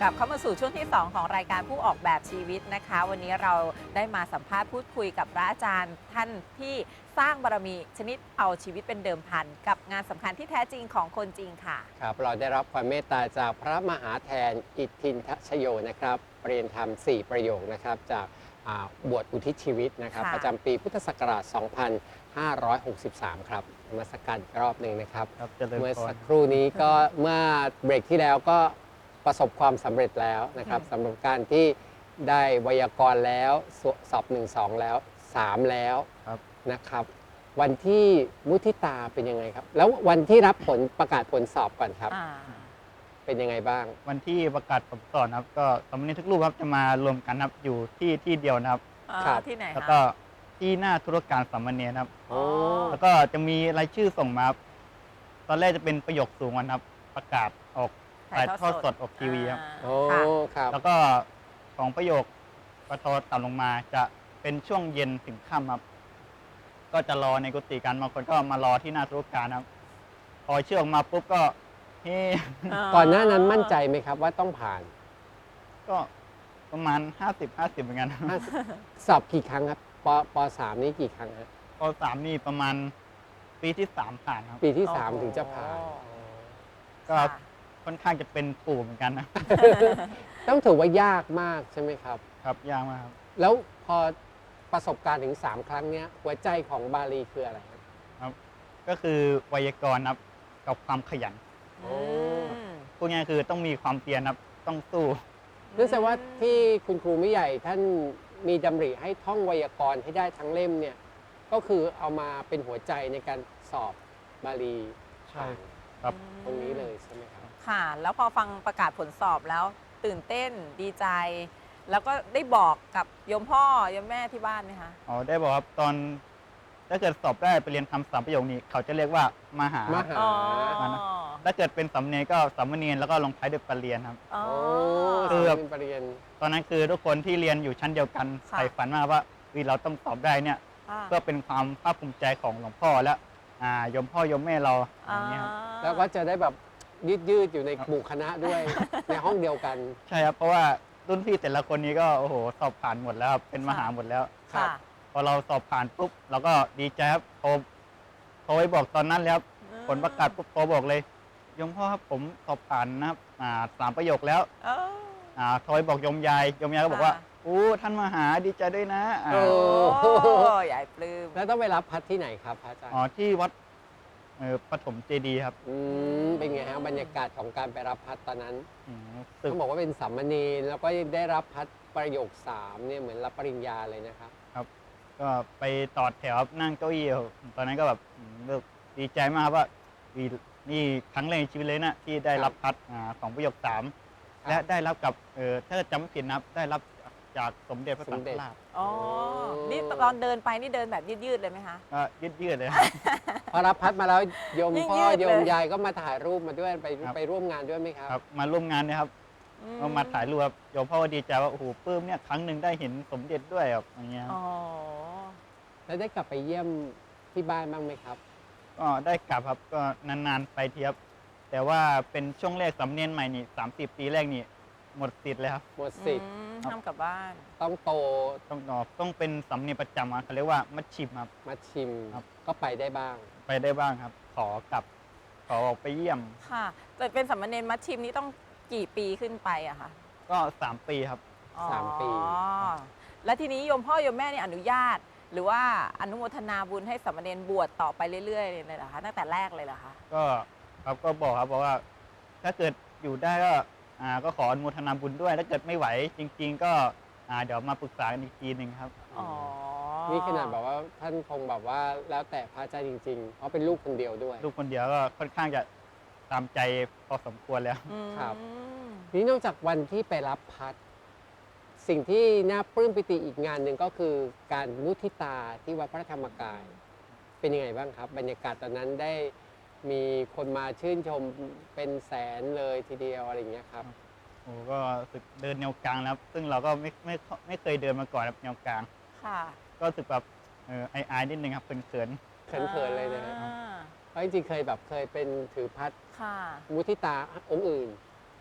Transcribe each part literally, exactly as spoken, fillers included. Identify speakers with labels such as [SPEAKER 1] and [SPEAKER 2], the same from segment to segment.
[SPEAKER 1] ลับเข้ามาสู่ช่วงที่สองของรายการผู้ออกแบบชีวิตนะคะวันนี้เราได้มาสัมภาษณ์พูดคุยกับพระอาจารย์ท่านที่สร้างบารมีชนิดเอาชีวิตเป็นเดิมพันกับงานสำคัญที่แท้จริงของคนจริงค่ะ
[SPEAKER 2] ครับเราได้รับความเมตตาจากพระมหาแทนอิทธินทชโยนะครับเรียนธรรมสี่ประโยคนะครับจากบวชอุทิศชีวิตนะครับประจำปีพุทธศักราช สองพันห้าร้อยหกสิบสาม ครับมาสักการรอบหนึ่งนะครับเมื่อสักครู่นี้ก็เมื่อเบรกที่แล้วก็ประสบความสำเร็จแล้วนะครับสำหรับการที่ได้ไวยากรณ์แล้วสอบหนึ่งสองแล้วสามแล้วนะครับวันที่มุทิตาเป็นยังไงครับแล้ววันที่รับผลประกาศผลสอบก่อนครับเป็นยังไงบ้าง
[SPEAKER 3] วันที่ประกาศผลสอบครับก็สามเณรทุกรูปครับจะมารวมกันครับอยู่ที่ที่เดียวนะครับ
[SPEAKER 1] ที่ไหน
[SPEAKER 3] แล้วก็ที่หน้าธุรการสามเณรครับแล้วก็จะมีรายชื่อส่งมาตอนแรกจะเป็นประโยคสูงวันครับประกาศออกถ่ายทอดสดออกทีวีครับ
[SPEAKER 2] โอ้ครับ
[SPEAKER 3] แล้วก็ของประโยคประทอต่ำลงมาจะเป็นช่วงเย็นถึงค่ำครับก็จะรอในกุฏิกันบางคนก็มารอที่หน้าธุรการครับพอเชื่อออกมาปุ๊บก็เฮ้
[SPEAKER 2] ก่อนหน้านั้นมั่นใจไหมครับว่าต้องผ่าน
[SPEAKER 3] ก็ประมาณห้าสิบ ห้าสิบเหมือนกัน
[SPEAKER 2] สอบกี่ครั้งครับปปสามนี่กี่ครั้งครับ
[SPEAKER 3] ปสามนี่ประมาณปีที่สามผ่านครับ
[SPEAKER 2] ปีที่สามถึงจะผ่าน
[SPEAKER 3] ก็ค่อนข้างจะเป็นปู่เหมือนกันนะ
[SPEAKER 2] ต้องถือว่ายากมากใช่ไหมครับ
[SPEAKER 3] ครับยากมากครับ
[SPEAKER 2] แล้วพอประสบการณ์ถึงสามครั้งเนี้ยหัวใจของบาลีคืออะไรครับ
[SPEAKER 3] ครับก็คือไวยากรณ์ครับกับความขยันพูดง่ายคือต้องมีความเพียรครับต้องสู้
[SPEAKER 2] เนื่องจากว่าที่คุณครูไม่ใหญ่ท่านมีดำริให้ท่องไวยากรณ์ให้ได้ทั้งเล่มเนี่ยก็คือเอามาเป็นหัวใจในการสอบบาลี
[SPEAKER 3] ใช่ครับ
[SPEAKER 2] ตรงนี้เลยใช่ไหมครับ
[SPEAKER 1] ค่ะแล้วพอฟังประกาศผลสอบแล้วตื่นเต้นดีใจแล้วก็ได้บอกกับโยมพ่อโยมแม่ที่บ้านไหมคะ
[SPEAKER 3] อ๋อได้บอกครับตอนถ้าเกิดสอบได้ไปเรียนคำสามประโยคนี้เขาจะเรียกว่ามหาม
[SPEAKER 2] หา
[SPEAKER 3] ถ้าเกิดเป็นสามเณรก็สามเณรแล้วก็ลงท้ายด้วยปรริญญาครับ
[SPEAKER 2] โอ้
[SPEAKER 3] คือแบบ
[SPEAKER 2] ปรริญญา
[SPEAKER 3] ตอนนั้นคือทุกคนที่เรียนอยู่ชั้นเดียวกันใฝ่ฝันมากว่าเราต้องสอบได้เนี่ยเพื่อเป็นความภาคภูมิใจของหลวงพ่อและโยมพ่อโยมแม่เราอย่างนี้ครับ
[SPEAKER 2] แล้วก็จะได้แบบยืดยืดอยู่ในหมู่คณะด้วยในห้องเดียวกัน
[SPEAKER 3] ใช่ครับเพราะว่ารุ่นพี่แต่ละคนนี้ก็โอ้โหสอบผ่านหมดแล้วเป็นมหาหมดแล้ว
[SPEAKER 1] ครับ
[SPEAKER 3] พอเราสอบผ่านปุ๊บเราก็ดีใจครับโทรโทรไปบอกตอนนั้นแล้วผลประกาศปุ๊บโทรบอกเลยโยมพ่อครับผมสอบผ่านนะครับสามประโยคแล้วโทรไปบอกโยมยายโยมยายก็บอกว่าอู้ท่านมหาดีใจด้วยนะ
[SPEAKER 1] โอ้ใหญ่ปลื้ม
[SPEAKER 2] แล้วต้องไปรับพัดที่ไหนครับพระอาจารย์
[SPEAKER 3] อ๋อที่วัดปฐมเจดีย์ครับ
[SPEAKER 2] อืมเป็นไงฮะบรรยากาศของการไปรับพัดตอนนั้นต้องบอกว่าเป็นสามเณรแล้วก็ได้รับพัดประโยคสามเนี่ยเหมือนรับปริญญาเลยนะครับ
[SPEAKER 3] ครับก็ไปต่อแถวนั่งเก้าอี้ตอนนั้นก็แบบดีใจมากว่านี่ครั้งแรกในชีวิตเลยนะที่ได้รับพัดของประโยคสามและได้รับกับถ้าจำไม่ผิดนะได้รับจากสมเด็จพระสังฆราช
[SPEAKER 1] อ๋อนี่ตอนเดินไปนี่เดินแบบยืดๆเลยไหมคะ
[SPEAKER 3] ก็ยืดๆเลย
[SPEAKER 2] พอรับพัดมาแล้วโยมพ่อโยมยายก็มาถ่ายรูปมาด้วยไปไปร่วมงานด้วยไหมครับ
[SPEAKER 3] ครับมาร่วมงานนะครับก็มาถ่ายรูปครับโยมพ่อดีใจว่าโอ้โหปลื้มเนี่ยครั้งหนึ่งได้เห็นสมเด็จด้วยแบบอย่างเงี้ย
[SPEAKER 1] อ๋อ
[SPEAKER 2] แล้วได้กลับไปเยี่ยมที่บ้านบ้างไหมครับ
[SPEAKER 3] ก็ได้กลับครับก็นานๆไปเทียบแต่ว่าเป็นช่วงแรกสำเนียงใหม่นี่สามสิบปีแรกนี่หมดสิทธิ์เลยครับ
[SPEAKER 2] หมดสิทธิ์
[SPEAKER 1] ห้ามกลับบ้าน
[SPEAKER 2] ต้องโต
[SPEAKER 3] ต้องนอกต้องเป็นสำเนียงประจำเขาเรียกว่ามัชชิมครับ
[SPEAKER 2] มัชชิมก็ไปได้บ้าง
[SPEAKER 3] ไปได้บ้างครับขอกลับขอออกไปเยี่ยม
[SPEAKER 1] ค่ะแต่เป็นสามเณรมัชชิมนี่ต้องกี่ปีขึ้นไปอะคะ
[SPEAKER 3] ก็สามปีครับ
[SPEAKER 2] สามปี
[SPEAKER 1] แล้วทีนี้โยมพ่อโยมแม่นี่อนุญาตหรือว่าอนุโมทนาบุญให้สามเณรบวชต่อไปเรื่อยๆเลยเหรอคะตั้งแต่แรกเลยเหรอคะ
[SPEAKER 3] ก็ครับก็บอกครับบอกว่าถ้าเกิดอยู่ได้ก็ก็ขออนุโมทนาบุญด้วยถ้าเกิดไม่ไหวจริงๆก็เดี๋ยวมาปรึกษากันอีกทีหนึ่งครับ
[SPEAKER 1] อ๋อ
[SPEAKER 2] นี่ขนาดแบบว่าท่านคงแบบว่าแล้วแต่พระอาจารย์จริงๆเพราะเป็นลูกคนเดียวด้วย
[SPEAKER 3] ลูกคนเดียวก็ค่อนข้างจะตามใจพอสมควรแล้ว
[SPEAKER 2] ครับนี่นอกจากวันที่ไปรับพัดสิ่งที่น่าปลื้มปิติอีกงานหนึ่งก็คือการมุทิตาที่วัดพระธรรมกายเป็นยังไงบ้างครับบรรยากาศตอนนั้นได้มีคนมาชื่นชมเป็นแสนเลยทีเดียวอะไรอย่างเงี้ยครับ
[SPEAKER 3] โอ้ก็สึกเดินแนวกลางแล้วซึ่งเราก็ไม่ไม่ไม่เคยเดินมาก่อนครับแนวกลาง
[SPEAKER 1] ค่ะ
[SPEAKER 3] ก็สึกแบบเออไอไอนิดนึงครับเขินเขิน
[SPEAKER 2] เขินเขินเลยนะเพราะจริงๆเคยแบบเคยเป็นถือพัดมุทิตาองค์อื่นแ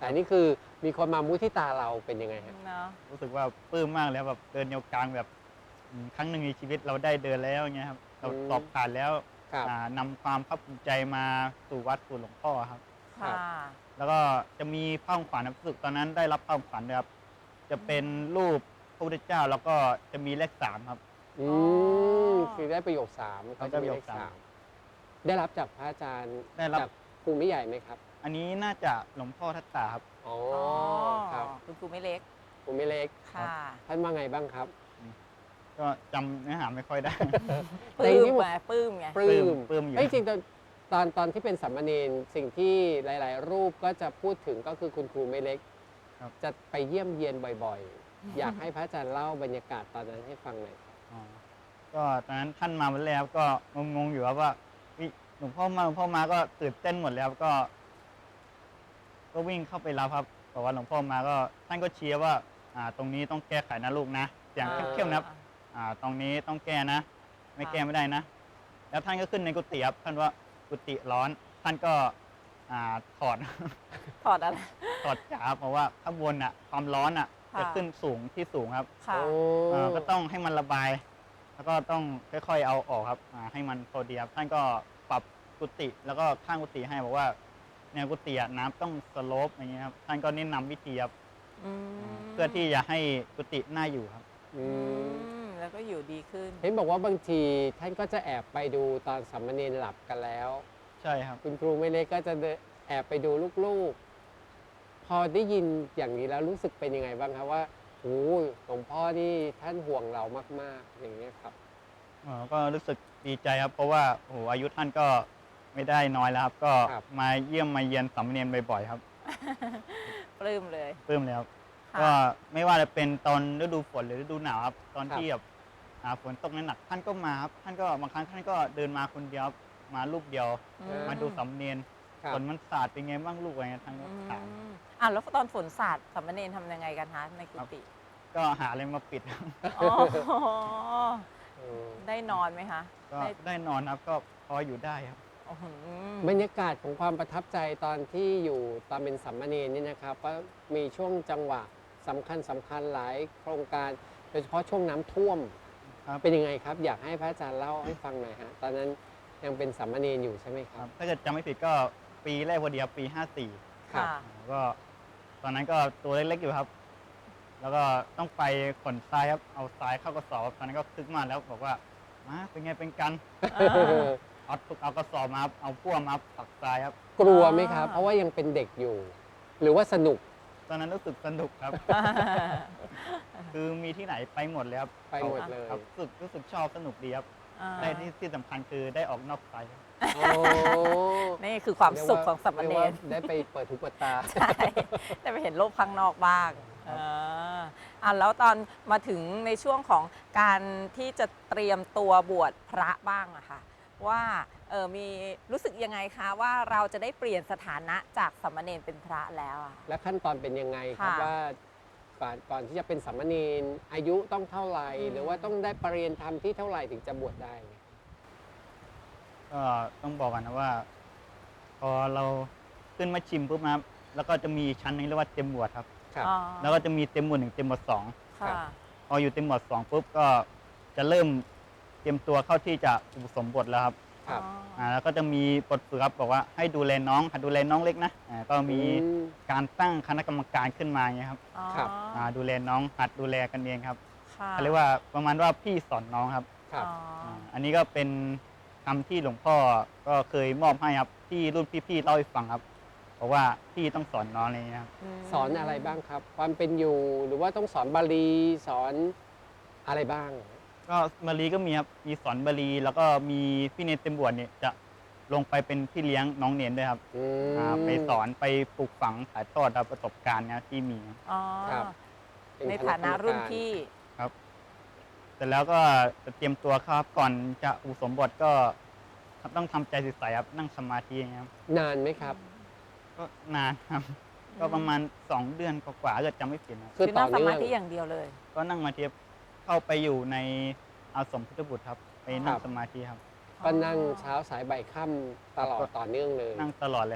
[SPEAKER 2] แต่นี่คือมีคนมามุทิตาเราเป็นยังไงฮะ
[SPEAKER 1] เนาะ
[SPEAKER 3] รู้สึกว่าปลื้มมากแล้วแบบเดินแนวกลางแบบอืมครั้งหนึ่งในชีวิตเราได้เดินแล้วอย่างเงี้ยครับเรา
[SPEAKER 2] อืม
[SPEAKER 3] สอบผ่านแล้ว
[SPEAKER 2] ครับ
[SPEAKER 3] อ่านำความภาคภูมิใจมาสู่วัดสู่หลวงพ่อครับ
[SPEAKER 2] ครั
[SPEAKER 1] ค่ะ
[SPEAKER 2] บ
[SPEAKER 3] แล้วก็จะมีผ้าของขวัญครับรู้สึกตอนนั้นได้รับผ้าของขวัญนะครับจะเป็นรูปพระพุทธเจ้าแล้วก็จะมีเลขสามครับ
[SPEAKER 2] อื
[SPEAKER 1] อ๋
[SPEAKER 2] ม
[SPEAKER 1] อ
[SPEAKER 2] คือได้ประโยคสาม
[SPEAKER 3] เขา
[SPEAKER 2] เขาจะมี
[SPEAKER 3] ได้ประโย
[SPEAKER 2] เล
[SPEAKER 3] ค
[SPEAKER 2] ข
[SPEAKER 3] สาม
[SPEAKER 2] สามได้รับจากพระอาจารย์
[SPEAKER 3] ได้รับ
[SPEAKER 2] จากครูไม่ใหญ่ไหมครับ
[SPEAKER 3] อันนี้น่าจะหลวงพ่อทัตตาครับ
[SPEAKER 2] อ๋อ
[SPEAKER 1] อ๋อ
[SPEAKER 2] ครับ
[SPEAKER 1] คุณครูไม่เล็ก
[SPEAKER 2] ครูไม่เล็ก
[SPEAKER 1] ค่ะ
[SPEAKER 2] ท่านว่าไงบ้างครับ
[SPEAKER 3] ก็จำเนื้อหาไม่ค่อยได้
[SPEAKER 1] ป
[SPEAKER 2] แต่
[SPEAKER 1] ลื้
[SPEAKER 2] ที่
[SPEAKER 1] มไงปลื้มไง
[SPEAKER 2] ปลื้ม
[SPEAKER 3] ปลื้มอยู่
[SPEAKER 2] เอ้ยจริงๆตอนตอนตอนที่เป็นสามเณรสิ่งที่หลาย ๆ รูปก็จะพูดถึงก็คือคุณครูไม่เล็ก
[SPEAKER 3] ครับ
[SPEAKER 2] จะไปเยี่ยมเยียนบ่อย ๆ อยากให้พระอาจารย์เล่าบรรยากาศตอนนั้นให้ฟังหน่อยครับ
[SPEAKER 3] อ๋อก็ตอนนั้นท่านมาวันแรกก็งงๆอยู่ครับว่าเฮ้ยหลวงพ่อมาหลวงพ่อมาก็ตื่นเต้นหมดแล้วก็ ก็วิ่งเข้าไปรับครับบอกว่าหลวงพ่อมาก็ท่านก็เชียร์ว่าอ่า ตรงนี้ต้องแก้ไขนะลูกนะเสียงเข้มๆนะครับอ่า ตรงนี้ต้องแก้นะ ไม่แก้ไม่ได้นะ แล้วท่านก็ขึ้นในกุฏิครับท่านว่ากุฏิร้อน ท่านก็อ่าถอด
[SPEAKER 1] ถอดอะไร
[SPEAKER 3] ถอดจ๋าเพราะว่าข้างบนอ่ะความร้อนอ่ะ
[SPEAKER 1] ค่ะ
[SPEAKER 3] จะขึ้นสูงที่สูงครับ
[SPEAKER 1] ค่ะ
[SPEAKER 2] โอ้
[SPEAKER 3] อ่าก็ต้องให้มันระบาย แล้วก็ต้องค่อยๆเอาออกครับอ่าให้มันพอดีครับท่านก็ปรับกุฏิแล้วก็ข้างกุฏิให้บอกว่าแนวกุฏิอะน้ำต้องสโลปอย่างเงี้ยครับท่านก็แนะนำวิธีครับ
[SPEAKER 1] อืม
[SPEAKER 3] เพื่อที่จะให้กุฏิน่าอยู่ครับ
[SPEAKER 2] อื
[SPEAKER 1] อื
[SPEAKER 2] ม
[SPEAKER 1] มแล้วก็อยู่ดีขึ้น
[SPEAKER 2] เห็นบอกว่าบางทีท่านก็จะแอบไปดูตอนสามเณรหลับกันแล้ว
[SPEAKER 3] ใช่ครับ
[SPEAKER 2] คุณครูไม่เล็กก็จะเดินแอบไปดูลูกๆ พอได้ยินอย่างนี้แล้วรู้สึกเป็นยังไงบ้างครับว่าโอ้ยหลวงพ่อนี่ท่านห่วงเรามากๆ อย่างนี้ยครับ
[SPEAKER 3] อ๋อก็รู้สึกดีใจครับ เพราะว่าโอ้โหอายุท่านก็ไม่ได้น้อยแล้วครับ ก็
[SPEAKER 2] ครับ
[SPEAKER 3] มาเยี่ยมมาเยียนสามเณรบ่อยๆครับ
[SPEAKER 1] ปลื้มเลย
[SPEAKER 3] ปลื้มเลยครับ
[SPEAKER 1] ค่ะ
[SPEAKER 3] ก็ไม่ว่าจะเป็นตอนฤดูฝนหรือฤดูหนาวครับ ตอน
[SPEAKER 2] ครับ
[SPEAKER 3] ที่แบบอ่าฝนตกหนักๆท่านก็มาครับท่านก็บางครั้งท่านก็เดินมาคนเดียวครับมารูปเดียว
[SPEAKER 1] อื
[SPEAKER 3] มาดูสามเณร
[SPEAKER 2] ครับ
[SPEAKER 3] ฝนมันสาดเป็นไงบ้างลูกอะไรเงี้ยท่านก็
[SPEAKER 1] อื
[SPEAKER 3] ถาม
[SPEAKER 1] มอ่ะแล้วตอนฝนสาดสามเณรทำยังไงกันคะในกุฏิ
[SPEAKER 3] ก็หาอะไรมาปิด
[SPEAKER 1] อ๋อ
[SPEAKER 2] เออ
[SPEAKER 1] ได้นอนไหมคะ
[SPEAKER 3] ก็
[SPEAKER 1] ได้
[SPEAKER 3] ได้นอนครับก็พออยู่ได้ครับ
[SPEAKER 1] โอ้โห
[SPEAKER 2] บรรยากาศของความประทับใจตอนที่อยู่ตอนเป็นสามเณรนี่นะครับก็มีช่วงจังหวะสำคัญสำคัญหลายโครงการโดยเฉพาะช่วงน้ำท่วม
[SPEAKER 3] ครับ
[SPEAKER 2] เป็นยังไงครับ อยากให้พระอาจารย์เล่าให้ฟังหน่อยฮะตอนนั้นยังเป็นสามเณรอยู่ใช่ไหมค
[SPEAKER 3] ค
[SPEAKER 2] รั
[SPEAKER 3] รับ บถ้าเกิดจำไม่ผิดก็ปีแรกพอดีครับปีห้าสี่
[SPEAKER 2] ครับ
[SPEAKER 1] ค่ะ
[SPEAKER 3] ก็ตอนนั้นก็ตัวเล็กๆอยู่ครับ แล้วก็ต้องไปขนทรายครับเอาทรายเข้ากระสอบตอนนั้นก็คึกมากแล้วบอกว่ามาเป็นไงเป็นกัน
[SPEAKER 1] เออ
[SPEAKER 3] เอาทุกเอากระสอบมาครับเอาพ่วงมาตักทรายครับ
[SPEAKER 2] กลัวไหมครับ
[SPEAKER 1] อ่า
[SPEAKER 2] เพราะว่ายังเป็นเด็กอยู่ หรือว่าสนุก
[SPEAKER 3] ตอนนั้นรู้สึกสนุกครับ คือมีที่ไหนไปหมดเลยครับ
[SPEAKER 2] ไปหมดเลย
[SPEAKER 3] ครับรู้สึกรู้สึกชอบสนุกดีครับ
[SPEAKER 1] อ่า
[SPEAKER 3] ได้ที่ที่สำคัญคือได้ออกนอกไฟครับ
[SPEAKER 2] โอ้
[SPEAKER 1] นี่คือความสุขของสาม
[SPEAKER 2] รียก
[SPEAKER 1] เณ
[SPEAKER 2] ว่าร ได้ไปเปิดหูเปิดตา
[SPEAKER 1] ใช่ได้ไปเห็นโลกข้างนอกบ้าง
[SPEAKER 3] ครั
[SPEAKER 1] เอบ ออ่ะแล้วตอนมาถึงในช่วงของการที่จะเตรียมตัวบวชพระบ้างอะค่ะ ว่าเออมีรู้สึกยังไงคะว่าเราจะได้เปลี่ยนสถานะจากสามเณรเป็นพระแล้วอะ
[SPEAKER 2] และขั้นตอนเป็นยังไงครับ
[SPEAKER 1] ค่ะ
[SPEAKER 2] ว่าก่อนก่อนที่จะเป็นสามเณรอายุต้องเท่าไหร่
[SPEAKER 1] อืม
[SPEAKER 2] หรือว่าต้องได้ปรริยนธรรมที่เท่าไหร่ถึงจะบวชได้
[SPEAKER 3] ก็ต้องบอกกันนะว่า พอเราขึ้นมาชิมปุ๊บนะครับแล้วก็จะมีชั้นหนึงเรียกว่าเต็มหมวดครับ
[SPEAKER 2] ครับ
[SPEAKER 1] อ๋อ
[SPEAKER 3] แล้วก็จะมีเต็มหมวดหนึ่งเต็มหมวดสอง
[SPEAKER 1] ค่ะ
[SPEAKER 3] พออยู่เต็มหมวดสองปุ๊บก็จะเริ่มเตรียมตัวเข้าที่จะอุปสมบทแล้วครับ
[SPEAKER 2] ครับ
[SPEAKER 1] อ๋อ
[SPEAKER 3] อ่าแล้วก็จะมีบทฝึกครับบอกว่าให้ดูแลน้องหัดดูแลน้องเล็กนะอ่าก็มี
[SPEAKER 2] อืม
[SPEAKER 3] การตั้งคณะกรรมการขึ้นมาอย่างเงี้ยครับ
[SPEAKER 1] อ๋อ
[SPEAKER 2] ครับ
[SPEAKER 3] อ่าดูแลน้องหัดดูแลกันเองครับ
[SPEAKER 1] ค่ะ
[SPEAKER 3] เขาเรียกว่าประมาณว่าพี่สอนน้องครับ
[SPEAKER 2] ครับ
[SPEAKER 1] อ๋อ
[SPEAKER 3] อ่าอันนี้ก็เป็นคำที่หลวงพ่อก็เคยมอบให้ครับที่รุ่นพี่ๆเล่าให้ฟังครับบอกว่าพี่ต้องสอนน้องอะไรอย่างเงี้ยครับ
[SPEAKER 1] ม
[SPEAKER 2] สอนอะไรบ้างครับ ความเป็นอยู่หรือว่าต้องสอนบาลีสอนอะไรบ้าง
[SPEAKER 3] ก็บาลีก็มีครับมีสอนบาลีแล้วก็มีพี่เนรเต็มบวชเนี่ยจะลงไปเป็นพี่เลี้ยงน้องเนรด้วยครับ
[SPEAKER 2] อืม
[SPEAKER 3] อ่าไปสอนไปปลูกฝังถ่ายทอดครับประสบการณ์นะที่มีครับ
[SPEAKER 1] อ๋อ
[SPEAKER 2] ครับ เป็
[SPEAKER 1] ใน
[SPEAKER 2] คณ
[SPEAKER 1] ฐานะ
[SPEAKER 2] กรรม
[SPEAKER 1] รุ่น
[SPEAKER 2] การ
[SPEAKER 1] พี่
[SPEAKER 3] เสร็จแล้วก็จะเตรียมตัวครับก่อนจะอุปสมบทก็ต้องทำใจใสๆครับนั่งสมาธิอย่างเงี้ยครับ
[SPEAKER 2] นานไหมครับ
[SPEAKER 3] ก็นานครับ ก็ประมาณสองเดือนกว่าๆเกิดจำไม่ผิดนะ
[SPEAKER 2] คือ
[SPEAKER 1] คือ
[SPEAKER 2] ต่
[SPEAKER 1] นั่
[SPEAKER 2] อง
[SPEAKER 1] ส
[SPEAKER 2] เนื่
[SPEAKER 1] มา
[SPEAKER 2] อง
[SPEAKER 1] ธิอย่างเดียวเลย
[SPEAKER 3] ก็นั่งมาเทียบเข้าไปอยู่ในอาสมพุทธบุตรครับ ไปนั่ง
[SPEAKER 2] ครับ
[SPEAKER 3] สมาธิครับ
[SPEAKER 2] ก็นั่งเช้าสายบ่ายค่ำตลอดต่อเนื่องเลย
[SPEAKER 3] นั่งตลอดเลยครับ
[SPEAKER 2] ค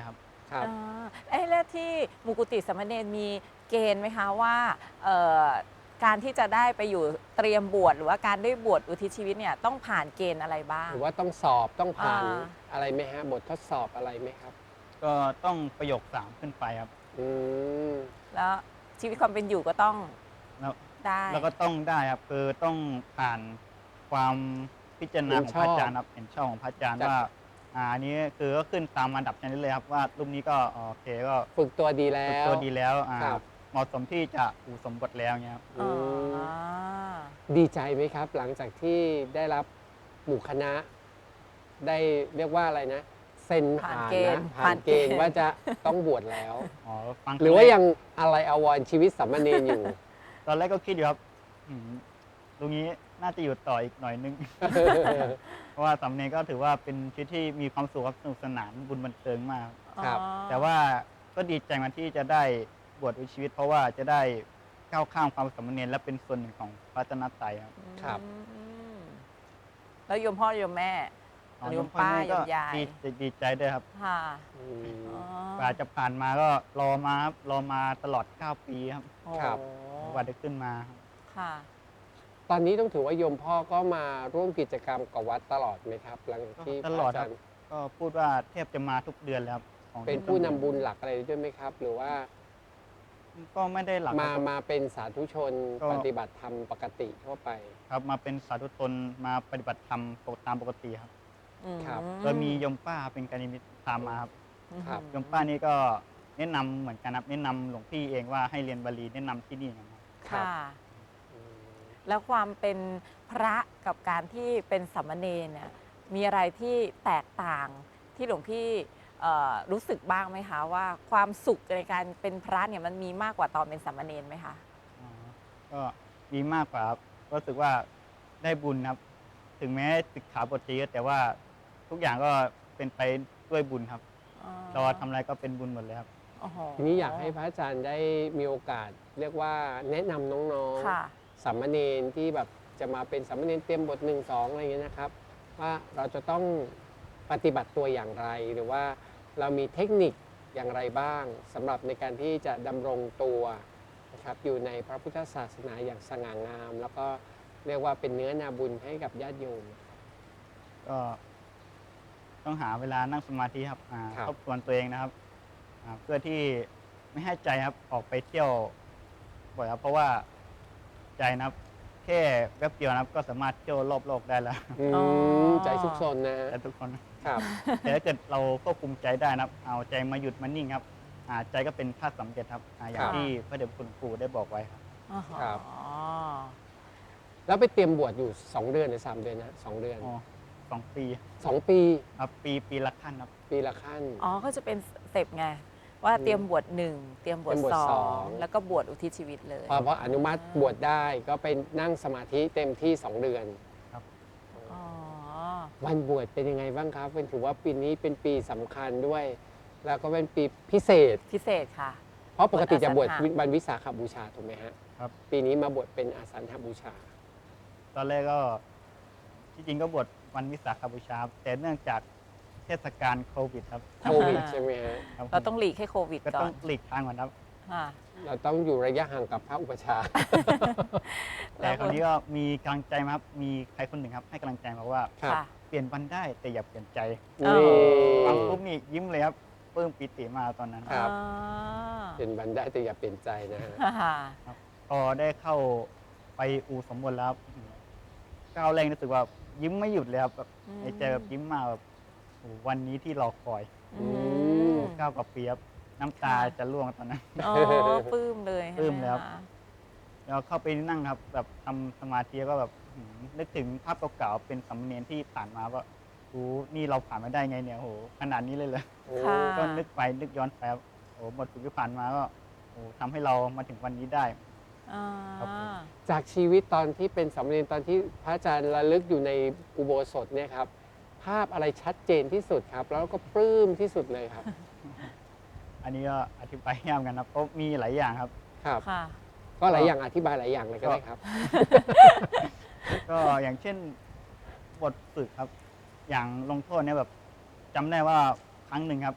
[SPEAKER 2] ครับ
[SPEAKER 1] อ่าเอ้แล้วที่มุกุติสามเณรมีเกณฑ์ไหมคะว่าเอ่อการที่จะได้ไปอยู่เตรียมบวชหรือว่าการได้บวชอุทิศชีวิตเนี่ยต้องผ่านเกณฑ์อะไรบ้าง
[SPEAKER 2] หรือว่าต้องสอบต้องผ่าน
[SPEAKER 1] อ่า
[SPEAKER 2] อะไรไหมฮะบททดสอบอะไรไหมครับ
[SPEAKER 3] ก็ต้องประโยคสามขึ้นไปครับ
[SPEAKER 2] อืม
[SPEAKER 1] แล้วชีวิตความเป็นอยู่ก็ต้อง
[SPEAKER 3] แล้ว
[SPEAKER 1] ได้
[SPEAKER 3] แล้วก็ต้องได้ครับคือต้องผ่านความพิจารณาของพระอาจารย์ครับเห็นชอบของพระอาจารย์
[SPEAKER 2] จาก
[SPEAKER 3] ว่าอ่าอันนี้คือก็ขึ้นตามอันดับชนิดเลยครับว่ารูปนี้ก็โอเคก็
[SPEAKER 2] ฝึกตัวดีแล้
[SPEAKER 3] ฝึก
[SPEAKER 2] ว
[SPEAKER 3] ตัวดีแล้วอ่า
[SPEAKER 2] ครับ
[SPEAKER 3] เหมาะสมที่จะอุสมบทแล้วเงี้ยครับ
[SPEAKER 1] อ๋อ
[SPEAKER 2] ดีใจไหมครับ หลังจากที่ได้รับหมู่คณะ ได้เรียกว่าอะไรนะ เซ็น
[SPEAKER 1] ผ่าน
[SPEAKER 2] ผ่าน
[SPEAKER 1] เกณฑ์
[SPEAKER 2] นะผ่า
[SPEAKER 1] ผ่าน น
[SPEAKER 2] เก
[SPEAKER 1] เก
[SPEAKER 2] ณ
[SPEAKER 1] ณฑ์
[SPEAKER 2] ฑ์ว่าจะต้องบวชแล้ว
[SPEAKER 3] อ๋อฟัง
[SPEAKER 2] หรือว่า
[SPEAKER 3] คแก
[SPEAKER 2] ยังอะไรอาวรณ์ชีวิตสามเณรอยู่
[SPEAKER 3] ตอนแรกก็คิดอยู่ครับอืมตรงนี้น่าจะอยู่ต่ออีกหน่อยนึง เพราะว่าสามเณรก็ถือว่าเป็นชีวิตที่มีความสุขครับสนุกสนานบุญบันเทิงมาก
[SPEAKER 2] ครับ
[SPEAKER 1] อ๋อ
[SPEAKER 3] แต่ว่าก็ดีใจมาที่จะได้บวชอุทิศชีวิต เพราะว่าจะได้ก้าวข้ามความสามเณรและเป็นส่วนหนึ่งของพระรัตนตรัยครับ
[SPEAKER 2] ครับ
[SPEAKER 1] อืมแล้วโยมพ่อโยมแม่
[SPEAKER 3] อ๋อ
[SPEAKER 1] โยมป้า
[SPEAKER 3] พ่อ
[SPEAKER 1] โย
[SPEAKER 3] แก็
[SPEAKER 1] มยาย
[SPEAKER 3] ดีดีใจด้วยครับ
[SPEAKER 1] ค่ะ
[SPEAKER 2] อืม
[SPEAKER 1] อ๋อก
[SPEAKER 3] ว่าจะผ่านมาก็รอมาครับรอมาตลอดเก้าปีครับ
[SPEAKER 1] โอ้
[SPEAKER 2] ครับ
[SPEAKER 3] กว่าจะขึ้นมาครับ
[SPEAKER 1] ค่ะ
[SPEAKER 2] ตอนนี้ต้องถือว่าโยมพ่อก็มาร่วมกิจกรรมกับวัดตลอดไหมครับ หลังจากที่
[SPEAKER 3] ตลอด
[SPEAKER 2] พะา
[SPEAKER 3] ค
[SPEAKER 2] จา
[SPEAKER 3] รับ
[SPEAKER 2] รย์
[SPEAKER 3] ก็พูดว่าแทบจะมาทุกเดือนแล้วครับของ
[SPEAKER 2] เป็นผู้นำบุญหลักอะไรด้วยไหมครับ หรือว่า
[SPEAKER 3] ก็ไม่ได้หลัก
[SPEAKER 2] มา
[SPEAKER 3] ครับ
[SPEAKER 2] มาเป็นสาธุชน
[SPEAKER 3] ก็
[SPEAKER 2] ปฏิบัติธรรมปกติทั่วไป
[SPEAKER 3] ครับมาเป็นสาธุชนมาปฏิบัติธรรมปกตามปกติครับ
[SPEAKER 1] อืม
[SPEAKER 2] ครับ
[SPEAKER 3] โดยมีโยมป้าเป็นการนิมิตตามมาครับ
[SPEAKER 2] ครับ
[SPEAKER 3] โยมป้านี่ก็แนะนำเหมือนกันครับแนะนำหลวงพี่เองว่าให้เรียนบาลีแนะนำที่นี่นะครับ
[SPEAKER 2] ครับ
[SPEAKER 1] ค่ะ
[SPEAKER 2] อืม
[SPEAKER 1] แล้วความเป็นพระกับการที่เป็นสามเณรเนี่ยมีอะไรที่แตกต่างที่หลวงพี่เอ่อรู้สึกบ้างไหมคะว่าความสุขในการเป็นพระเนี่ยมันมีมากกว่าตอนเป็นสามเณรไหมคะ
[SPEAKER 3] อ๋อก็ดีมากกว่าครับก็รู้สึกว่าได้บุญครับ ถึงแม้ศึกขาบทจะเยอะแต่ว่าทุกอย่างก็เป็นไปด้วยบุญครับเราทำอะไรก็เป็นบุญหมดเลยครับ
[SPEAKER 1] โอ้โห
[SPEAKER 2] ทีนี้อยากให้พระอาจารย์ได้มีโอกาส เรียกว่าแนะนำน้อง
[SPEAKER 1] ค่ะ
[SPEAKER 2] ๆสามเณรที่แบบจะมาเป็นสามเณรเตรียมบทหนึ่งสองอะไรอย่างเงี้ยนะครับ ว่าเราจะต้องปฏิบัติตัวอย่างไร หรือว่าเรามีเทคนิคอย่างไรบ้างสำหรับในการที่จะดำรงตัวนะครับอยู่ในพระพุทธศาสนาอย่างสง่างาม แล้วก็เรียกว่าเป็นเนื้อนาบุญให้กับญาติโยม
[SPEAKER 3] ก็ต้องหาเวลานั่งสมาธิครับอ่า
[SPEAKER 2] ครับ
[SPEAKER 3] ทบทวนตัวเองนะครับอ่าเพื่อที่ไม่ให้ใจครับออกไปเที่ยวบ่อยครับ เพราะว่าใจนะครับแค่แป๊บเดียวนะครับก็สามารถเที่ยวรอบโลกได้แล้ว
[SPEAKER 2] อื
[SPEAKER 1] อ๋อ
[SPEAKER 2] มใจซุกซนนะฮะ
[SPEAKER 3] แต่ทุกคน
[SPEAKER 2] ครับ
[SPEAKER 3] แต่ถ้าเกิดเราควบคุมใจได้นะครับ เอาใจมาหยุดมานิ่งครับอ่าใจก็เป็นธาตุสำเร็จครับอ่าอย่า
[SPEAKER 2] ค
[SPEAKER 3] ง
[SPEAKER 2] รับ
[SPEAKER 3] ที่พระเดชคุณครูได้บอกไว้ครับ
[SPEAKER 1] อ๋อ
[SPEAKER 2] ครับ แล้วไปเตรียมบวชอยู่สองเดือนหรือสามเดือนนะสองเดือน
[SPEAKER 3] อ๋อสองปี
[SPEAKER 2] สองปี
[SPEAKER 3] ครับปีปีละขั้นครับ
[SPEAKER 2] ปีละขั้น
[SPEAKER 1] อ๋อก็จะเป็นสเต็ปไงว่าเตรียมบวชหนึ่งเตรียมบวช
[SPEAKER 2] เตรียมบวช
[SPEAKER 1] สอ
[SPEAKER 2] สอง ง
[SPEAKER 1] แล้วก็บวชอุทิศชีวิตเลย
[SPEAKER 2] พอพออนุมัติบวชได้ก็ไปนั่งสมาธิเต็มที่สองเดือน
[SPEAKER 1] อ๋อ
[SPEAKER 2] วันบวชเป็นยังไงบ้างครับเป็นถือว่าปีนี้เป็นปีสำคัญด้วย แล้วก็เป็นปีพิเศษ
[SPEAKER 1] พิเศษค่ะ
[SPEAKER 2] เพราะปกติจะบวช
[SPEAKER 1] วันอาสาฬหะ
[SPEAKER 2] วันวิสาขบูชาถูกไหมฮะ
[SPEAKER 3] ครับ
[SPEAKER 2] ปีนี้มาบวชเป็นอาสันหบูชา
[SPEAKER 3] ตอนแรกก็ที่จริงก็บวชวันวิสาขบูชาครับแต่เนื่องจากเทศกาลโควิดครับ
[SPEAKER 2] โควิดใช่ไหมฮะ
[SPEAKER 3] ครับ
[SPEAKER 1] เราต้องหลีกให้โควิด
[SPEAKER 3] ก็
[SPEAKER 1] ก่
[SPEAKER 3] ต้
[SPEAKER 1] อ
[SPEAKER 3] อน งหลีกทางก่อนครับ
[SPEAKER 1] ค่ะ
[SPEAKER 2] เราต้องอยู่ระยะห่างกับพระอุปชฌาย์
[SPEAKER 3] แต่คราวนี้ก็มีกำลังใจมาครับมีใครคนหนึ่งครับ ให้กำลังใจมาว่า
[SPEAKER 2] ครับ
[SPEAKER 1] ค่ะ
[SPEAKER 3] เปลี่ยนวันได้แต่อย่าเปลี่ยนใจ
[SPEAKER 1] อ๋อ
[SPEAKER 2] นี่
[SPEAKER 3] ฟังปุ๊บนี่ยิ้มเลยครับปลื้มปิติมากตอนนั้น
[SPEAKER 2] ครับ
[SPEAKER 1] อ๋อ
[SPEAKER 2] เป็นบันได้แต่อย่าเปลี่ยนใจนะฮะ
[SPEAKER 1] ค่ะ
[SPEAKER 3] พอได้เข้าไปอูสมบูรณ์แล้วครับก้าวแรกรู้สึกว่ายิ้มไม่หยุดเลยครับแบบ
[SPEAKER 1] อืม
[SPEAKER 3] ในใจแบบยิ้มมาแบบโอ้โหวันนี้ที่รอคอย
[SPEAKER 1] อืม
[SPEAKER 3] เก้าวกับปีครับน้ำตา
[SPEAKER 1] ค่ะ
[SPEAKER 3] จะร่วงตอนนั้น
[SPEAKER 1] อ๋อปลื้มเลย
[SPEAKER 3] ปลื้มแล้ว
[SPEAKER 1] ใช่ไหคะ
[SPEAKER 3] แล้วเข้าไปนั่งครับ แบบทำสมาธิก็แบบหืมนึกถึงภาพเก่าๆเป็นสำเนียงที่ผ่านมาว่าโอ้นี่เราผ่านมาได้ไงเนี่ยโหขนาดนี้เลยเลย
[SPEAKER 1] ค่ะ
[SPEAKER 3] ก็นึกไปนึกย้อนไปครับโอ้หมดฝึกที่ผ่านมาก็โอ้ทำให้เรามาถึงวันนี้ได้
[SPEAKER 1] อ่า
[SPEAKER 3] ครับผม
[SPEAKER 2] จากชีวิตตอนที่เป็นสามเณรตอนที่พระอาจารย์ระลึกอยู่ในอุโบสถเนี่ยครับภาพอะไรชัดเจนที่สุดครับ แล้วก็ปลื้มที่สุดเลยครับ
[SPEAKER 3] อันนี้ก็อธิบายยากเหมือนกันครับเพราะมีหลายอย่างครับ
[SPEAKER 2] ครับ
[SPEAKER 1] ค่ะ
[SPEAKER 2] ก็หลายอย่างอธิบายหลายอย่างเลยก็ได้ครับ
[SPEAKER 3] ก็อย่างเช่นบทฝึกครับ อย่างลงโทษเนี่ยแบบจำได้ว่าครั้งหนึ่งครับ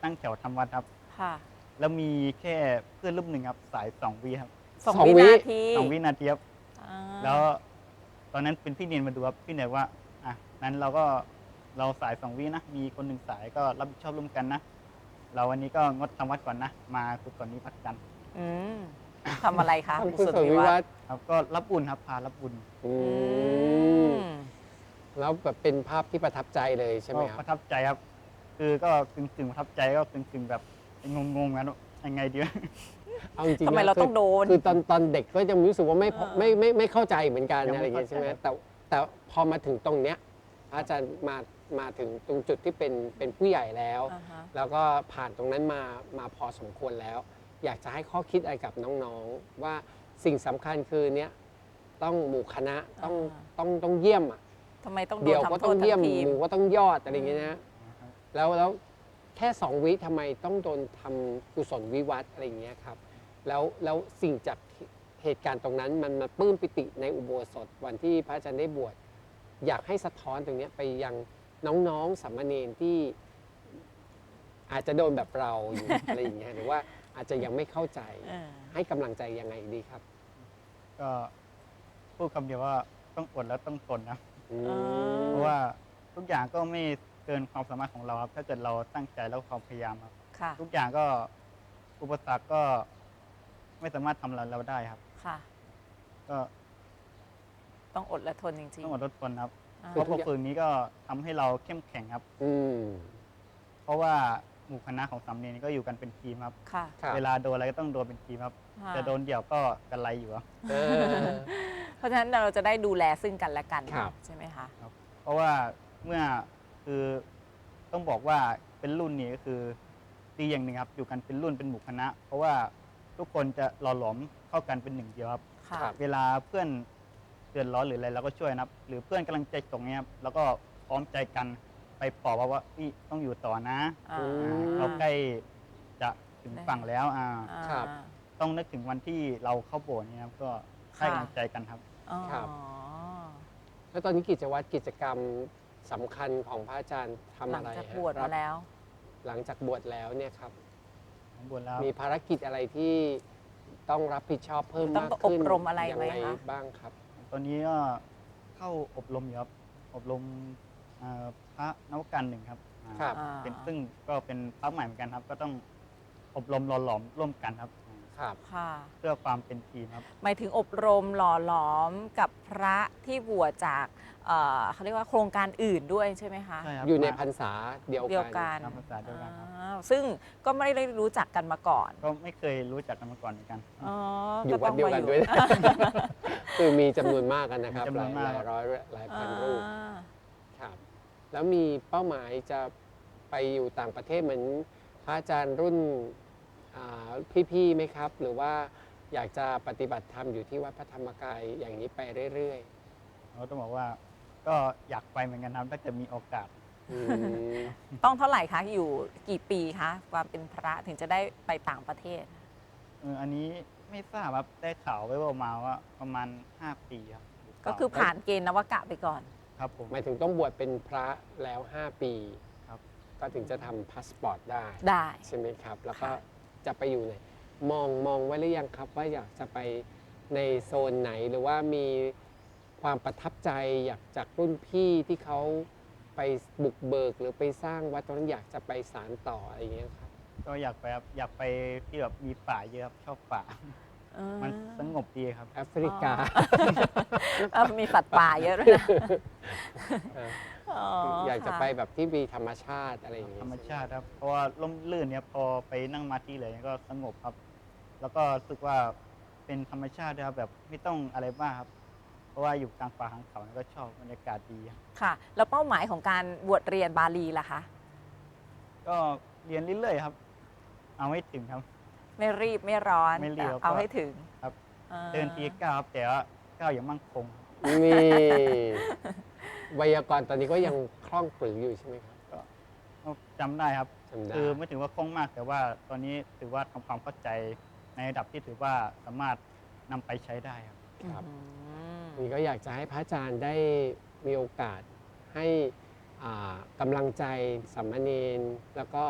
[SPEAKER 3] ตั้งแถวทำวัดครับ
[SPEAKER 1] ค่ะ
[SPEAKER 3] แล้วมีแค่เพื่อนรูปหนึ่งครับสายสองวิครับ
[SPEAKER 1] สอง
[SPEAKER 2] สอง
[SPEAKER 1] วิ
[SPEAKER 2] วิ
[SPEAKER 1] นาที
[SPEAKER 3] สองวินาทีครับ
[SPEAKER 1] อ่า
[SPEAKER 3] แล้วตอนนั้นเป็นพี่เนียนมาดูครับพี่เนียนว่าอ่ะนั้นเราก็เราสายสองวินะมีคนหนึ่งสายก็รับผิดชอบร่วมกันนะ เราวันนี้ก็งดทำวัดก่อนนะ มากุศลนี้พักกัน
[SPEAKER 1] อืมทำอะไรคะ
[SPEAKER 2] ทำ
[SPEAKER 1] กุ
[SPEAKER 2] กุ
[SPEAKER 1] ศ
[SPEAKER 2] ศ
[SPEAKER 1] ล
[SPEAKER 2] ล
[SPEAKER 1] วิ
[SPEAKER 2] วิ
[SPEAKER 1] วั
[SPEAKER 2] วั
[SPEAKER 1] ฒ
[SPEAKER 2] ฒ
[SPEAKER 1] น์
[SPEAKER 2] น์
[SPEAKER 3] ครับก็รับบุญครับพารับบุญ
[SPEAKER 2] อื
[SPEAKER 1] อื
[SPEAKER 2] ม
[SPEAKER 1] ม
[SPEAKER 2] แล้วแบบเป็นภาพที่ประทับใจเลยใช่ไหม
[SPEAKER 3] ก็
[SPEAKER 2] ค
[SPEAKER 3] ป
[SPEAKER 2] รับ
[SPEAKER 3] ระทับใจครับ คือก็กึ่งกึ่งๆประทับใจก็กึ่งกึ่งๆแบบงงๆกันว่ายังไงดีวะ
[SPEAKER 2] เอาจริงๆ
[SPEAKER 1] ทำไม
[SPEAKER 2] นะ
[SPEAKER 1] เรา
[SPEAKER 2] คื
[SPEAKER 1] ต้องโดน
[SPEAKER 2] คือตอนตอนเด็กก็ยังรู้สึกว่าไม่พอ
[SPEAKER 1] เออ
[SPEAKER 2] ไม่ไม่ไม่เข้าใจเหมือนกัน
[SPEAKER 3] ยังไม่
[SPEAKER 2] อะไรอย่างเงี้ย
[SPEAKER 3] เข้าใจ
[SPEAKER 2] ใช่ไหมแต่แต่พอมาถึงตรงเนี้ยพระอาจารย์มามาถึงตรงจุดที่เป็นเป็นผู้ใหญ่แล้ว
[SPEAKER 1] อ่าฮะ
[SPEAKER 2] แล้วก็ผ่านตรงนั้นมามาพอสมควรแล้ว อยากจะให้ข้อคิดอะไรกับน้องๆ ว่าสิ่งสำคัญคือเนี้ยต้องหมู่คณะต้อง
[SPEAKER 1] อ่า
[SPEAKER 2] ต้องต้องเยี่ยมอ่ะ
[SPEAKER 1] ทำไมต้องโด
[SPEAKER 2] เดี๋ย
[SPEAKER 1] น
[SPEAKER 2] วก็
[SPEAKER 1] ทำโท
[SPEAKER 2] ต้อง
[SPEAKER 1] ษ
[SPEAKER 2] เยี่ย
[SPEAKER 1] ทั้
[SPEAKER 2] ม
[SPEAKER 1] งทีม
[SPEAKER 2] หมู่ก็ต้องยอดอะไรอย่างเงี้ยนะแล้วแล้วแค่สองวิทำไมต้องโดนทำกุศลวิวัฒน์อะไรอย่างเงี้ยครับแล้วแล้วสิ่งจากเหตุการณ์ตรงนั้นมันมาปลื้มปิติในอุโบสถวันที่พระอาจารย์ได้บวชอยากให้สะท้อนตรงเนี้ยไปยังน้องๆสามเณรที่อาจจะโดนแบบเราอยู่ อะไรอย่างเงี้ยหรือว่าอาจจะยังไม่เข้าใจ
[SPEAKER 1] เออ
[SPEAKER 2] ให้กำลังใจยังไงดีครับ
[SPEAKER 3] ก็พูดคำเดียวว่าต้องอดแล้วต้องทนนะ
[SPEAKER 2] อื
[SPEAKER 1] เอ
[SPEAKER 2] ม
[SPEAKER 3] เพราะว่าทุกอย่างก็ไม่เกินความสามารถของเราครับ ถ้าเกิดเราตั้งใจแล้วความพยายามครับ
[SPEAKER 1] ค่ะ
[SPEAKER 3] ทุกอย่างก็อุปสรรคก็ไม่สามารถทำเราเราได้ครับ
[SPEAKER 1] ค่ะ
[SPEAKER 3] ก็
[SPEAKER 1] ต้องอดและทนจริง
[SPEAKER 3] ต้องอดทนทนครับ
[SPEAKER 1] ๆอ่า
[SPEAKER 3] เพราะพอฝึกนี้ก็ทำให้เราเข้มแข็งครับ
[SPEAKER 2] อืม
[SPEAKER 3] เพราะว่าหมู่คณะของสามเณรก็อยู่กันเป็นทีมครับ
[SPEAKER 1] ค่ะ
[SPEAKER 2] ครับ
[SPEAKER 3] เวลาโดนอะไรก็ต้องโดนเป็นทีมครับ
[SPEAKER 1] ค่ะ
[SPEAKER 3] จะโดนเดี่ยวก็กันไรอยู่ครับ
[SPEAKER 2] เออ
[SPEAKER 1] เพราะฉะนั้นเราจะได้ดูแลซึ่งกันและกัน
[SPEAKER 2] ครับ
[SPEAKER 1] ใช่ไหมคะ
[SPEAKER 3] เพราะว่าเมื่อคือต้องบอกว่าเป็นรุ่นนี้ก็คือดีอย่างหนึ่งครับอยู่กันเป็นรุ่นเป็นหมู่คณะ เพราะว่าทุกคนจะหล่อหลอมเข้ากันเป็นหนึ่งเดียวครับ
[SPEAKER 1] ค่ะ
[SPEAKER 2] ครับ
[SPEAKER 3] เวลาเพื่อนเดือดร้อนหรืออะไรเราก็ช่วยนะครับ หรือเพื่อนกำลังใจตกเนี้ยครับแล้วก็พร้อมใจกันไปปลอบว่าว่านี่ต้องอยู่ต่อนะ
[SPEAKER 1] อ่า
[SPEAKER 2] อืม
[SPEAKER 3] อ่าเราใกล้จะถึงฝั่งแล้วอ่า
[SPEAKER 1] อ่า
[SPEAKER 2] ครับ
[SPEAKER 3] ต้องนึกถึงวันที่เราเข้าโบสถ์เนี่ยครับก็ให้กำลังใจกันครับ
[SPEAKER 1] อ๋อ
[SPEAKER 2] ครับ แล้วตอนนี้กิจวัตรกิจกรรมสำคัญของพระอาจารย์ทำ
[SPEAKER 1] หลั
[SPEAKER 2] อะ
[SPEAKER 1] ง
[SPEAKER 2] ไร
[SPEAKER 1] จาก
[SPEAKER 2] ฮะ
[SPEAKER 1] บวช
[SPEAKER 2] ครั
[SPEAKER 1] มาแล้ว
[SPEAKER 2] หลังจากบวชแล้วเนี่ยครับ
[SPEAKER 3] ของบวชแล้ว
[SPEAKER 2] มีภารกิจอะไรที่ต้องรับผิดชอบเพิ่ม
[SPEAKER 1] ต้อง
[SPEAKER 2] มากขึ้น
[SPEAKER 1] อบรมอะไรไหม
[SPEAKER 2] ยังง
[SPEAKER 1] คะ
[SPEAKER 2] บ้างครับ
[SPEAKER 3] ตอนนี้ก็เข้าอบรมอยู่ครับอบรมเอ่อพระนวการหนึ่งครับอ่า
[SPEAKER 2] ครับ
[SPEAKER 1] อ่า
[SPEAKER 3] เป็นซึ่งก็เป็นพระใหม่เหมือนกันครับ ก็ต้องอบรมหล่อหลอมร่วมกันครับ
[SPEAKER 2] ครับ
[SPEAKER 1] ค่ะ
[SPEAKER 3] เพื่อความเป็นทีมครับ
[SPEAKER 1] หมายถึงอบรมหล่อหลอมกับพระที่บวชจากเอ่อเขาเรียกว่าโครงการอื่นด้วยใช่ไหมคะ
[SPEAKER 3] ใช่ครับ
[SPEAKER 2] อยู่ใน
[SPEAKER 3] มา
[SPEAKER 2] พรรษาเดียว
[SPEAKER 1] เดียว
[SPEAKER 2] กั
[SPEAKER 1] กัน
[SPEAKER 3] ตามภาษาเดียวกันครับ
[SPEAKER 1] อ้าวซึ่งก็ไม่ได้รู้จักกันมาก่อน
[SPEAKER 3] ก็ไม่เคยรู้จักกันมาก่อนเหมือนกัน
[SPEAKER 1] อ๋อ
[SPEAKER 2] อยู่วัด
[SPEAKER 1] ต้อง
[SPEAKER 2] เดียว
[SPEAKER 1] มา
[SPEAKER 2] กันด้วยนะ คือมีจำนวนมากกันนะครับ
[SPEAKER 3] มีจำ
[SPEAKER 2] ห
[SPEAKER 3] นว
[SPEAKER 2] ลาน ย
[SPEAKER 3] มาก
[SPEAKER 2] หลายร้อยหลายพันรูป
[SPEAKER 1] อ่า
[SPEAKER 2] ครับ แล้วมีเป้าหมายจะไปอยู่ต่างประเทศเหมือนพระอาจารย์รุ่นอ่าพี่ๆไหมครับ หรือว่าอยากจะปฏิบัติธรรมอยู่ที่วัดพระธรรมกายอย่างนี้ไปเรื่อย
[SPEAKER 3] เราต้องบอกว่าก็อยากไปเหมือนกันครับถ้าเกิดมีโอกาส
[SPEAKER 2] ๆอืม
[SPEAKER 1] ต้องเท่าไหร่คะ อยู่กี่ปีคะความเป็นพระถึงจะได้ไปต่างประเทศ
[SPEAKER 3] เอออันนี้ไม่ทราบครับได้ข่าวไว้ว่ามาว่าประมาณห้าปีครับหรืเป
[SPEAKER 1] ก็
[SPEAKER 3] ล่า
[SPEAKER 1] คือผ่านเกณฑ์นวกะไปก่อน
[SPEAKER 3] ครับผม
[SPEAKER 2] หมายถึงต้องบวชเป็นพระแล้ว ห้า ปี
[SPEAKER 3] ครับ
[SPEAKER 2] ก็ถึงจะทำพาสปอร์ตได้
[SPEAKER 1] ได้
[SPEAKER 2] ใช่ไหมครับ แล้วก็
[SPEAKER 1] ค่ะ
[SPEAKER 2] จะไปอยู่ไหนมองมองไว้หรือยังครับ ว่าอยากจะไปในโซนไหนหรือว่ามีความประทับใจอยากจากรุ่นพี่ที่เขาไปบุกเบิกหรือไปสร้างวัดตรงนั้นอยากจะไปสารต่ออะไรอย่างเงี้ยครับ
[SPEAKER 3] ก็อยากไปครับอยากไปที่แบบมีป่าเยอะครับชอบป่า
[SPEAKER 1] เออ
[SPEAKER 3] มันสงบดีครับ
[SPEAKER 2] แอฟริกา
[SPEAKER 1] เออมีสัตว์ป่าเยอะด้วยนะ
[SPEAKER 2] เออ
[SPEAKER 1] อ๋อ
[SPEAKER 2] อยากจะ
[SPEAKER 1] ค่
[SPEAKER 2] ไปแบบที่มีธรรมชาติอะไรอย่างเงี้ย
[SPEAKER 3] ธรรมชาติครับ เพราะว่าร่มรื่นเนี่ยพอไปนั่งมาที่เลยก็สงบครับ แล้วก็รู้สึกว่าเป็นธรรมชาติด้วยครับแบบไม่ต้องอะไรมากครับ เพราะว่าอยู่กลางป่ากลางเขาเนี่ยก็ชอบบรรยากาศดีครับ
[SPEAKER 1] ค่ะ แล้วเป้าหมายของการบวชเรียนบาลีล่ะคะ
[SPEAKER 3] ก็เรียนเรื่อยๆครับ เอาให้ถึงครับ
[SPEAKER 1] ไม่รีบไม่ร้อน
[SPEAKER 3] ไม่รีบ
[SPEAKER 1] แต่เอา
[SPEAKER 3] ก็
[SPEAKER 1] ให้ถึง
[SPEAKER 3] ครับ
[SPEAKER 1] อ่า
[SPEAKER 3] เดินทีก้าวครับแต่ว่าก้าวอย่างมั่งคง
[SPEAKER 2] นี่ไวยากรณ์ตอนนี้ก็ยังคล่องปรืออยู่ใช่ไหมครับ
[SPEAKER 3] ก็จำได้ครับ
[SPEAKER 2] จำได้
[SPEAKER 3] คือไม่ถือว่าคล่องมาก แต่ว่าตอนนี้ถือว่าทำความเข้าใจในระดับที่ถือว่าสามารถนำไปใช้ได้ครับ
[SPEAKER 2] ครับ
[SPEAKER 1] อืม
[SPEAKER 2] นี่ก็อยากจะให้พระอาจารย์ได้มีโอกาสให้อ่ากำลังใจสามเณรแล้วก็พ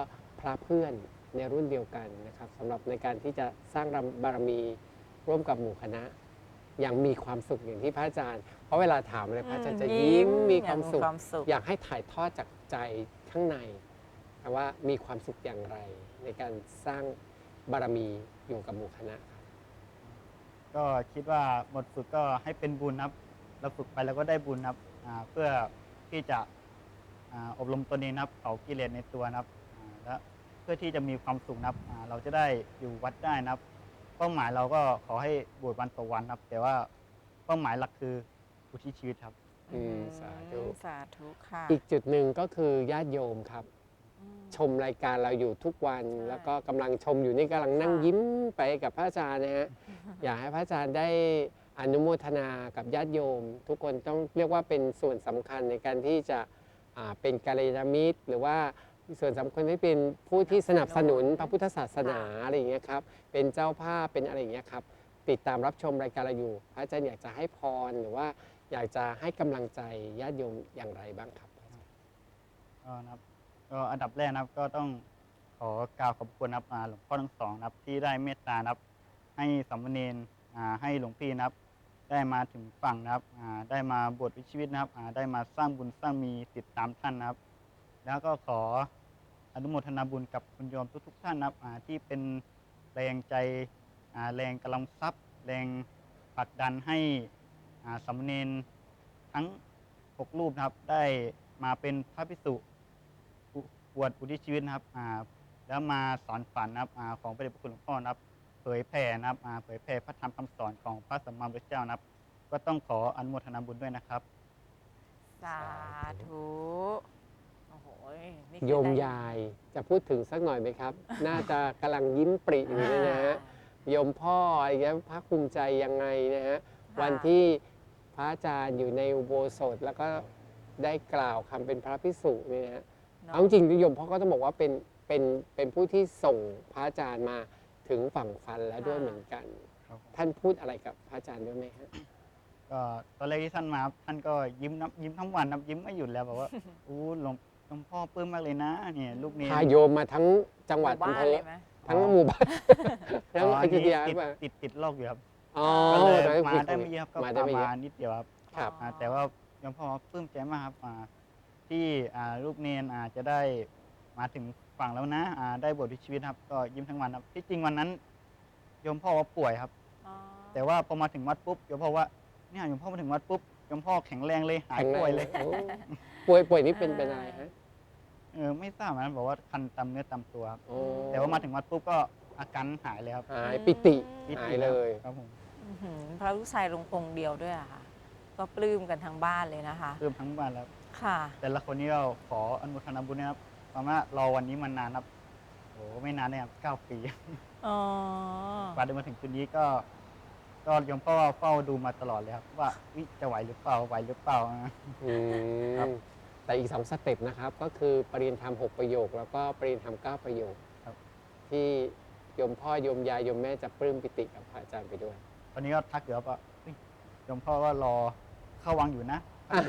[SPEAKER 2] พระเพื่อนในรุ่นเดียวกันนะครับสำหรับในการที่จะสร้างบารมีร่วมกับหมู่คณะอย่างมีความสุขอย่างที่พระอาจารย์ เพราะเวลาถามอะไรพระอาจารย์จะยิ้มมีความสุข อยากให้ถ่ายทอดจากใจข้างในว่ามีความสุขอย่างไรในการสร้างบารมีอยู่กับหมู่คณะครับ
[SPEAKER 3] ก็คิดว่าหมดฝึกก็ให้เป็นบุญครับเราฝึกไปแล้วก็ได้บุญครับอ่าเพื่อที่จะอ่าอบรมตนเองนะครับเผากิเลสในตัวนะครับอ่าและเพื่อที่จะมีความสุขนะครับอ่าเราจะได้อยู่วัดได้นะครับเป้าหมายเราก็ขอให้บวชวันต่อวันครับแต่ว่าเป้าหมายหลักคืออุทิศชีวิตครับ
[SPEAKER 2] อืมสาธุ
[SPEAKER 1] สาธุค่ะ
[SPEAKER 2] อีกจุดหนึ่งก็คือญาติโยมครับ
[SPEAKER 1] อืม
[SPEAKER 2] ชมรายการเราอยู่ทุกวัน
[SPEAKER 1] ใช่
[SPEAKER 2] แล้วก็กำลังชมอยู่นี่กำลังนั่ง
[SPEAKER 1] ค่ะ
[SPEAKER 2] ยิ้มไปกับพระอาจารย์นะฮะ อยากให้พระอาจารย์ได้อนุโมทนากับญาติโยม ทุกคนต้องเรียกว่าเป็นส่วนสำคัญในการที่จะอ่าเป็นกัลยาณมิตร หรือว่าส่วนสำคัญที่เป็นผู้ที่สนับสนุนพระพุทธศาสนาอะไรอย่างเงี้ยครับเป็นเจ้าภาพเป็นอะไรอย่างเงี้ยครับติดตามรับชมรายการเราอยู่พระอาจารย์อยากจะให้พรหรือว่าอยากจะให้กำลังใจญาติโยมอย่างไรบ้างครับ
[SPEAKER 3] ก็นะครับก็อันดับแรกนะครับก็ต้องขอกล่าวขอบคุณนะครับอ่าหลวงพ่อทั้งสองนะครับที่ได้เมตตานะครับให้สามเณรอ่าให้หลวงพี่นะครับได้มาถึงฝั่งนะครับอ่าได้มาบวชวิถีชีวิตนะครับอ่าได้มาสร้างบุญสร้างมีติดตามท่านนะครับ แล้วก็ขออนุโมทนาบุญกับคุณโยมทุกๆท่านนะครับอ่าที่เป็นแรงใจอ่าแรงกำลังทรัพย์ แรงผลักดันให้อ่าสามเณรทั้งหกรูปนะครับได้มาเป็นพระภิกษุ บวชอุทิศชีวิตนะครับอ่าแล้วมาสอนฝันนะครับอาของพระเดชพระคุณหลวงพ่อนะครับเผยแผ่นะครับอ่าเผยแผ่พระธรรมคำสอนของพระสัมมาสัมพุทธเจ้านะครับ ก็ต้องขออนุโมทนาบุญด้วยนะครับ
[SPEAKER 1] สาธุโอ้โหนี่คือ
[SPEAKER 2] โยม
[SPEAKER 1] ได้
[SPEAKER 2] ยายจะพูดถึงสักหน่อยไหมครับ น่าจะกำลังยิ้มปริอยู่เลยนะฮะโยมพ่ออะไรเงี้ยภาคภูมิใจยังไงนะฮะ
[SPEAKER 1] ค่ะ
[SPEAKER 2] วันที่พระอาจารย์อยู่ในอุโบสถแล้วก็ได้กล่าวคำเป็นพระภิกษุเนี่ยนะฮะ
[SPEAKER 1] เนอะ
[SPEAKER 2] เอาจริงๆโยมพ่อก็ต้องบอกว่าเป็นเป็นเป็นผู้ที่ส่งพระอาจารย์มาถึงฝั่งฟันแล้วด้วยเหมือนกัน
[SPEAKER 3] ครับผม
[SPEAKER 2] ท่านพูดอะไรกับพระอาจารย์ด้วยไหมฮะ
[SPEAKER 3] ก็ตอนแรกที่ท่านมาครับท่านก็ยิ้มน้ำยิ้มทั้งวันนะยิ้มไม่หยุดแล้วบอกว่า อู้หลวงหลวงพ่อปลื้มมากเลยนะเนี่ยลูกนี้
[SPEAKER 2] พาโยมมาทั้งจังหวัด
[SPEAKER 1] มู่
[SPEAKER 2] อำ
[SPEAKER 1] บ้าน
[SPEAKER 2] เภอ
[SPEAKER 1] เลยไหม
[SPEAKER 2] ทั้งหมู่บ้านทั้ง
[SPEAKER 3] อ๋อ
[SPEAKER 2] อ
[SPEAKER 3] อัน
[SPEAKER 2] ยุธ
[SPEAKER 3] นี้
[SPEAKER 2] ยาห
[SPEAKER 3] ติ
[SPEAKER 2] รือ
[SPEAKER 3] ด
[SPEAKER 2] เปล่า
[SPEAKER 3] ติดติดโรคอยู่ครับ
[SPEAKER 2] อ๋อ
[SPEAKER 3] ก็เลย
[SPEAKER 2] ตอนนั้น
[SPEAKER 3] มา
[SPEAKER 2] คุ
[SPEAKER 3] ได้ไม่เยอะครับก็
[SPEAKER 2] มาได้ไม่เย
[SPEAKER 3] มา
[SPEAKER 2] อะ
[SPEAKER 3] นิดเดียวครับ
[SPEAKER 2] ครับ
[SPEAKER 3] อ่าแต่ว่าหลวงพ่อปลื้มใจมากครับอ่าที่อ่าลูกเนนอาจะได้มาถึงฝั่งแล้วนะอ่าได้บวชชีวิตครับก็ยิ้มทั้งวันครับที่จริงวันนั้นโยมพ่อว่าป่วยครับ
[SPEAKER 1] อ๋อ
[SPEAKER 3] แต่ว่าพอมาถึงวัดปุ๊บโยมพ่อว่าเนี่ยโยมพ่อมาถึงวัดปุ๊บโยมพ่อแข็งแรงเลยหาย
[SPEAKER 2] แข็งแรง
[SPEAKER 3] ป่วยเลย
[SPEAKER 2] โอ้ป่วยป่วยนี่เป็นเป็นอะไรฮะ
[SPEAKER 3] เออไม่ทราบเหมือนกันบอกว่าคันตามเนื้อตามตัวครับ
[SPEAKER 2] โอ้
[SPEAKER 3] แต่ว่ามาถึงวัดปุ๊บก็อาการหายเลยครับ
[SPEAKER 2] หายปิติ
[SPEAKER 3] ปิ
[SPEAKER 2] หา
[SPEAKER 3] ติ
[SPEAKER 2] ยเลย
[SPEAKER 3] ครับผม
[SPEAKER 1] อื้อหือพระลูกชายลงองค์เดียวด้วยอะค่ะ ก็ปลื้มกันทั้งบ้านเลยนะคะ
[SPEAKER 3] เพิ่มทั้งบ้านแล้ว
[SPEAKER 1] ค่ะ
[SPEAKER 3] แต่ละคนนี้ก็ขออนุโมทนาบุญนะครับเพราะว่ารอวันนี้มานานครับโอ้ไม่นานเลยครับเก้าปี
[SPEAKER 1] อ๋อ
[SPEAKER 3] กว่าจะมาถึงจุดนี้ก็ก็โยมพ่อเฝ้าดูมาตลอดเลยครับ ว่าวิจะไหวหรือเปล่าไหวหรือเปล่านะ
[SPEAKER 2] อื
[SPEAKER 3] ครับ
[SPEAKER 2] มแต่อีกสองสเต็ปนะครับ ก็คือปริญญาธรรมหกประโยค แล้วก็ปริญญาธรรมเก้าประโยค
[SPEAKER 3] ครับ
[SPEAKER 2] ที่โยมพ่อโยมยายโยมแม่จะปลื้มปิติกับพระอาจารย์ไปด้วย
[SPEAKER 3] ตอนนี้ก็ทักอยู่ครับว่าเฮ้ยโยมพ่อก็รอเข้าวังอยู่นะ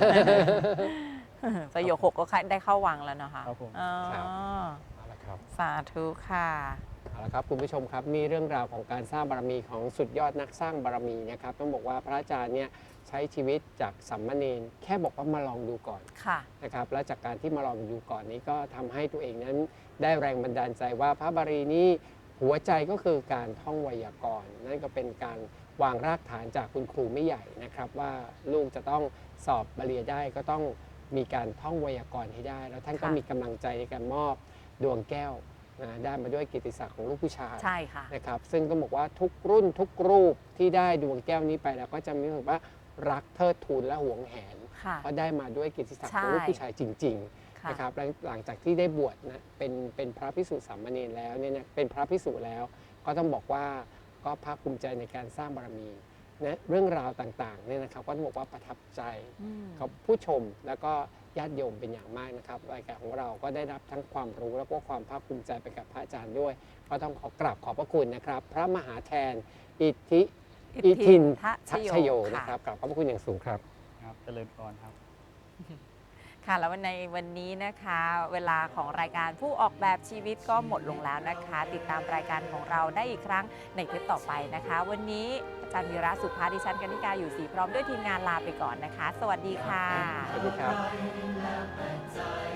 [SPEAKER 1] ประโยคหกก็ได้เข้าวังแล้วนะคะ
[SPEAKER 3] ครับผม
[SPEAKER 1] อ๋อ
[SPEAKER 2] ครับ เอาละครับ
[SPEAKER 1] สาธุค่ะ
[SPEAKER 2] เอาละครับคุณผู้ชมครับนี่เรื่องราวของการสร้างบารมีของสุดยอดนักสร้างบารมีนะครับต้องบอกว่าพระอาจารย์เนี่ยใช้ชีวิตจากสัมมเนรแค่บอกว่ามาลองดูก่อน
[SPEAKER 1] ค่ะ
[SPEAKER 2] นะครับและจากการที่มาลองดูก่อนนี้ก็ทำให้ตัวเองนั้นได้แรงบันดาลใจว่าพระบารมีนี้หัวใจก็คือการท่องไวยากรณ์นั่นก็เป็นการวางรากฐานจากคุณครูไม่ใหญ่นะครับว่าลูกจะต้องสอบบาลีได้ก็ต้องมีการท่องไวยากรณ์ให้ได้ แล้วท่านก็
[SPEAKER 1] ค่ะ
[SPEAKER 2] มีกำลังใจในการมอบดวงแก้วนะได้มาด้วยกิตติศักดิ์ของลูกผู้ชาย
[SPEAKER 1] ใช่ค่ะ
[SPEAKER 2] นะครับซึ่งก็บอกว่าทุกรุ่นทุกรูปที่ได้ดวงแก้วนี้ไปแล้วก็จะมีรู้สึกว่ารักเทิดทูนและหวงแหน
[SPEAKER 1] ค่ะ
[SPEAKER 2] เพราะได้มาด้วยกิตติศักดิ์
[SPEAKER 1] ใช่
[SPEAKER 2] ของลูกผู้ชายจริงๆ
[SPEAKER 1] ค่ะ
[SPEAKER 2] นะครับแล้วหลังจากที่ได้บวชนะเป็นเป็นพระภิกษุสามเณรแล้วเนี่ยนะเป็นพระภิกษุแล้ว ก็ต้องบอกว่าก็ภาคภูมิใจในการสร้างบารมีนะเรื่องราวต่างๆเนี่ยนะครับก็ต้องบอกว่าประทับใจ
[SPEAKER 1] อืม
[SPEAKER 2] กับผู้ชมแล้วก็ญาติโยมเป็นอย่างมากนะครับรายการของเราก็ได้รับทั้งความรู้แล้วก็ความภาคภูมิใจไปกับพระอาจารย์ด้วย ก็ต้องขอกราบขอบพระคุณนะครับ พระมหาแทนอิทธิอิทิน
[SPEAKER 1] ทะ
[SPEAKER 2] ทัชโยนะครับกราบขอบพระคุณอย่างสูงครับ
[SPEAKER 3] ครับเจริญพรครับ
[SPEAKER 1] ค่ะแล้วในวันนี้นะคะ เวลาของรายการผู้ออกแบบชีวิตก็หมดลงแล้วนะคะ ติดตามรายการของเราได้อีกครั้งในเทปต่อไปนะคะ วันนี้อาจารย์วีระสุภาดิฉันกนิกาอยู่ศรีพร้อมด้วยทีมงานลาไปก่อนนะคะ สวัสดีค่ะ
[SPEAKER 2] สวัสดีครับ